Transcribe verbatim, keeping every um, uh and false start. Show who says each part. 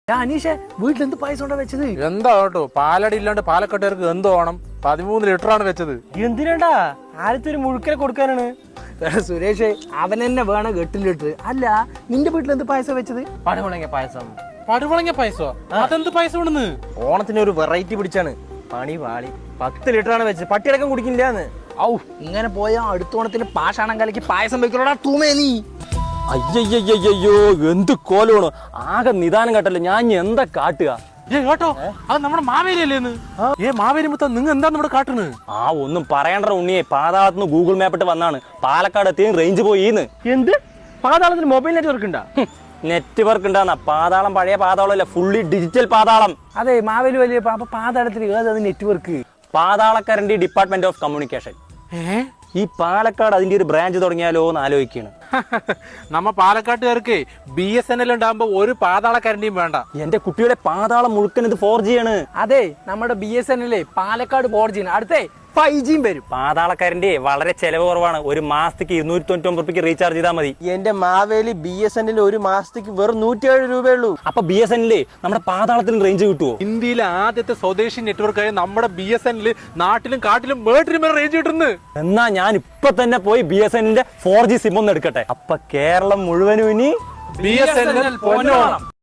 Speaker 1: അനീഷെ വീട്ടിൽ എന്ത് പായസം ഉണ്ടാ വെച്ചത്?
Speaker 2: എന്താ കേട്ടോ, പാലടി ഇല്ലാണ്ട് പാലക്കാട്ടുകാർക്ക് എന്ത് വേണം? പതിമൂന്ന് ലിറ്റർ ആണ് വെച്ചത്.
Speaker 3: എന്തിനാണ്ടാ? ആദ്യത്തെ ഒരു മുഴുക്കനെ കൊടുക്കാനാണ്.
Speaker 1: സുരേഷ് അവൻ തന്നെ വേണം എട്ട് ലിറ്റർ. അല്ല നിന്റെ വീട്ടിൽ എന്ത് പായസം വെച്ചത്?
Speaker 3: പടുമുളങ്ങ പായസം.
Speaker 2: പടുവളങ്ങ പായസോ? അതെന്ത് പായസം ഇവിടുന്ന്?
Speaker 3: ഓണത്തിന് ഒരു വെറൈറ്റി പിടിച്ചാണ്. പണി പാളി. പത്ത് ലിറ്റർ ആണ് വെച്ചത്. പട്ടിയടക്കം കുടിക്കില്ലാന്ന്.
Speaker 1: ഔ ഇങ്ങനെ പോയാ അടുത്തോണത്തിന് പാഷാണം കലക്കി പായസം വെക്കണോടാ തൂമേ നീ.
Speaker 4: അയ്യയ്യോ എന്ത് കോലാണ്, ആകെ നിദാനം കേട്ടല്ലോ. ഞാൻ എന്താ കാട്ടുക?
Speaker 2: ഏ കേട്ടോ, അത് നമ്മുടെ മാവേലി അല്ലേന്ന്? ഏ മാവേലി മുത്ത നിങ്ങൾ എന്താ നമ്മുടെ കാട്ടുന്നത്?
Speaker 4: ആ ഒന്നും പറയണ്ട ഉണ്ണിയെ, പാതാളത്തുനിന്ന് ഗൂഗിൾ മാപ്പിട്ട് വന്നാണ്. പാലക്കാട് എത്തിയും റേഞ്ച് പോയിന്ന്.
Speaker 3: എന്ത്? പാതാളത്തിന് മൊബൈൽ നെറ്റ്വർക്ക് ഉണ്ടാ?
Speaker 4: നെറ്റ്വർക്ക് ഉണ്ടാന്ന പാതാളം പഴയ പാതാളം അല്ല, ഫുള്ളി ഡിജിറ്റൽ പാതാളം.
Speaker 1: അതെ മാവേലി വലിയ അപ്പൊ പാതാളത്തിൽ ഏത് നെറ്റ്വർക്ക്?
Speaker 4: പാതാളക്കരന്റെ ഡിപ്പാർട്ട്മെന്റ് ഓഫ് കമ്മ്യൂണിക്കേഷൻ.
Speaker 2: ഏ
Speaker 4: ഈ പാലക്കാട് അതിന്റെ ഒരു ബ്രാഞ്ച് തുടങ്ങിയാലോ എന്ന് ആലോചിക്കുകയാണ്.
Speaker 2: നമ്മ പാലക്കാട്ടുകാർക്ക് ബി എസ് എൻ എൽ ഉണ്ടാകുമ്പോ ഒരു പാതാളക്കാരന്റെയും വേണ്ട.
Speaker 4: എന്റെ കുട്ടിയുടെ പാതാളം മുഴുക്കൻ ഇത് ഫോർ ജി ആണ്.
Speaker 1: അതെ നമ്മുടെ B S N L Palakkad four G അടുത്തേ ഫൈവ് ജിയും വരും.
Speaker 4: പാതാളക്കാരന്റെ വളരെ ചെലവ് കുറവാണ്. ഒരു മാസത്തേക്ക് ഇരുന്നൂറ്റി തൊണ്ണൂറ്റി ഒമ്പത് റുപ്യക്ക് റീചാർജ് ചെയ്താൽ മതി.
Speaker 3: എന്റെ Maveli B S N L ഒരു മാസത്തേക്ക് വെറും നൂറ്റിയേഴ് രൂപയുള്ളൂ.
Speaker 4: അപ്പൊ ബി എസ് എൻ എൽ നമ്മുടെ പാതാളത്തിന് റേഞ്ച് കിട്ടുമോ?
Speaker 2: ഇന്ത്യയിലെ ആദ്യത്തെ സ്വദേശി നെറ്റ്വർക്കായ നമ്മുടെ ബി എസ് എൻ എൽ നാട്ടിലും കാട്ടിലും വേട്ടിലും റേഞ്ച് കിട്ടുന്നു.
Speaker 4: എന്നാ ഞാൻ ഇപ്പൊ തന്നെ പോയി ബി എസ് എൻ എല്ലിന്റെ ഫോർ ജി സിം ഒന്ന് എടുക്കട്ടെ. അപ്പൊ കേരളം മുഴുവനും ഇനി
Speaker 2: ബി എസ് എൻ എൽ പൊന്നോണം.